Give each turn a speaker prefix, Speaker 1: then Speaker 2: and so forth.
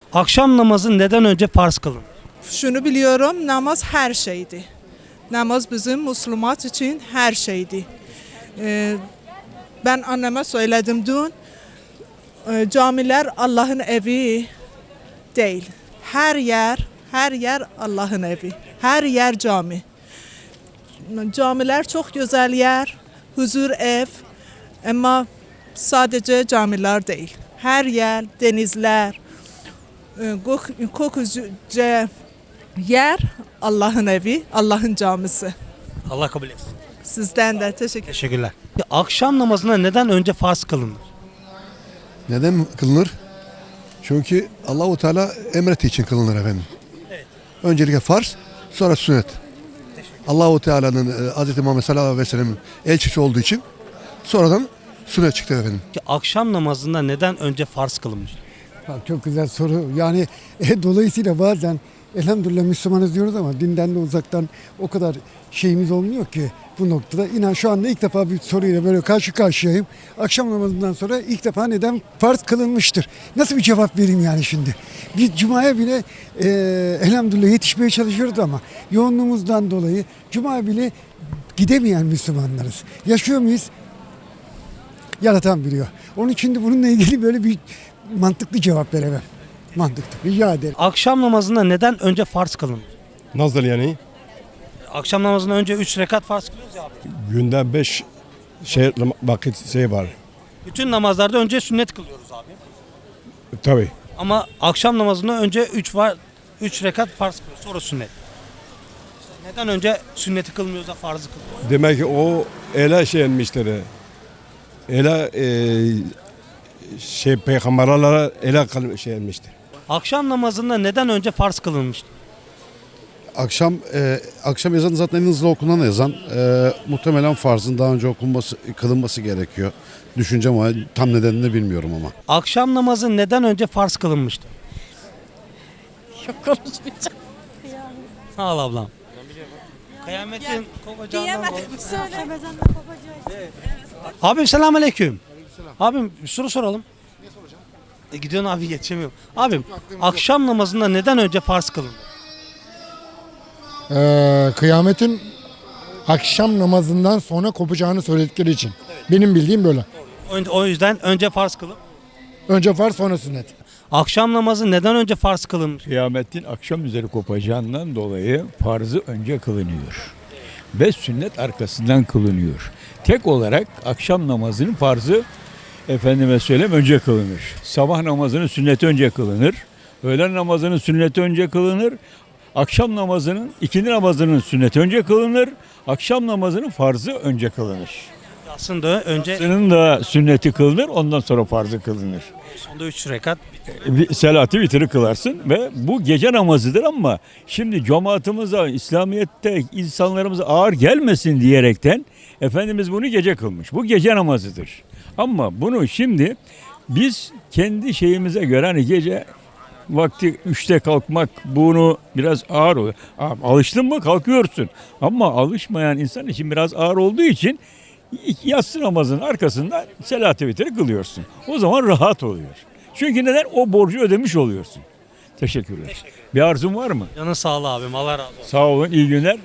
Speaker 1: Akşam namazı neden önce farz kılın?
Speaker 2: Şunu biliyorum, namaz her şeydi. Namaz bizim Müslüman için her şeydi. Ben anneme söyledim dün, camiler Allah'ın evi değil. Her yer Allah'ın evi. Her yer cami. Camiler çok güzel yer, huzur ev ama sadece camiler değil. Her yer, denizler, kokuca yer Allah'ın evi, Allah'ın camisi.
Speaker 1: Allah kabul etsin.
Speaker 2: Sizden de teşekkür ederim.
Speaker 1: Teşekkürler. Akşam namazına neden önce farz kılınır?
Speaker 3: Neden kılınır? Çünkü Allahu Teala emrettiği için kılınır efendim.
Speaker 1: Evet.
Speaker 3: Öncelikle farz, sonra sünnet. Allahu Teala'nın Hz. Muhammed sallallahu aleyhi ve sellem'in elçisi olduğu için sonradan sünnet çıktı efendim.
Speaker 1: Akşam namazında neden önce farz kılınmış?
Speaker 4: Bak çok güzel soru. Yani dolayısıyla bazen elhamdülillah Müslümanız diyoruz ama dinden de uzaktan o kadar şeyimiz olmuyor ki bu noktada. İnan şu anda ilk defa bir soruyla böyle karşı karşıyayım. Akşam namazından sonra ilk defa neden farz kılınmıştır? Nasıl bir cevap vereyim yani şimdi? Biz Cuma'ya bile elhamdülillah yetişmeye çalışıyoruz ama yoğunluğumuzdan dolayı Cuma'ya bile gidemeyen Müslümanlarız. Yaşıyor muyuz? Yaratan biliyor. Onun için de bununla ilgili böyle bir mantıklı cevap veremem. Mantıklı. Rica ederim.
Speaker 1: Akşam namazında neden önce farz kılınır?
Speaker 5: Nasıl yani?
Speaker 1: Akşam namazından önce 3 rekat farz kılıyoruz ya abi.
Speaker 5: Günde 5 vakit var.
Speaker 1: Bütün namazlarda önce sünnet kılıyoruz abi.
Speaker 5: Tabii.
Speaker 1: Ama akşam namazında önce 3 rekat farz kılıyoruz. Sonra sünnet. Neden önce sünneti kılmıyoruz da farzı kılıyoruz?
Speaker 5: Demek ki o ele etmiştir. Ele peygamberlere ele etmiştir.
Speaker 1: Akşam namazında neden önce farz kılınmıştır?
Speaker 6: Akşam ezanı zaten en hızlı okunan ezan. Muhtemelen farzın daha önce kılınması gerekiyor. Düşüncem ama tam nedenini bilmiyorum ama.
Speaker 1: Akşam namazı neden önce farz kılınmıştır?
Speaker 7: Yok konuşmayacağım.
Speaker 1: Sağ ol ablam. Kıyametin kopacağından dolayı.
Speaker 7: Söyle.
Speaker 1: Abim selamünaleyküm. Abim bir soru soralım. Ne soracağım? Gidiyorsun abi geçemiyorum. Abim akşam namazında neden önce farz kılınır?
Speaker 8: Kıyametin akşam namazından sonra kopacağını söyledikleri için. Benim bildiğim böyle.
Speaker 1: O yüzden önce farz kılın.
Speaker 8: Önce farz sonra sünnet.
Speaker 1: Akşam namazı neden önce farz kılınır?
Speaker 9: Kıyametin akşam üzeri kopacağından dolayı farzı önce kılınıyor. Ve sünnet arkasından kılınıyor. Tek olarak akşam namazının farzı efendime söyleyeyim önce kılınır. Sabah namazının sünneti önce kılınır. Öğlen namazının sünneti önce kılınır. Akşam namazının, ikindi namazının sünneti önce kılınır. Akşam namazının farzı önce kılınır.
Speaker 1: Aslında önce
Speaker 9: Yatsının da sünneti kılınır, ondan sonra farzı kılınır.
Speaker 1: sonda 3 rekat.
Speaker 9: Selatı vitri kılarsın ve bu gece namazıdır ama şimdi cemaatimize, İslamiyet'te insanlarımıza ağır gelmesin diyerekten Efendimiz bunu gece kılmış. Bu gece namazıdır. Ama bunu şimdi biz kendi şeyimize göre hani gece vakti 3'te kalkmak bunu biraz ağır oluyor. Alıştın mı kalkıyorsun. Ama alışmayan insan için biraz ağır olduğu için yatsı namazının arkasından selat-ı vitri kılıyorsun. O zaman rahat oluyor. Çünkü neden? O borcu ödemiş oluyorsun. Teşekkürler. Bir arzun var mı?
Speaker 1: Canın sağlığı abim. Allah razı olsun.
Speaker 9: Sağ olun, iyi günler.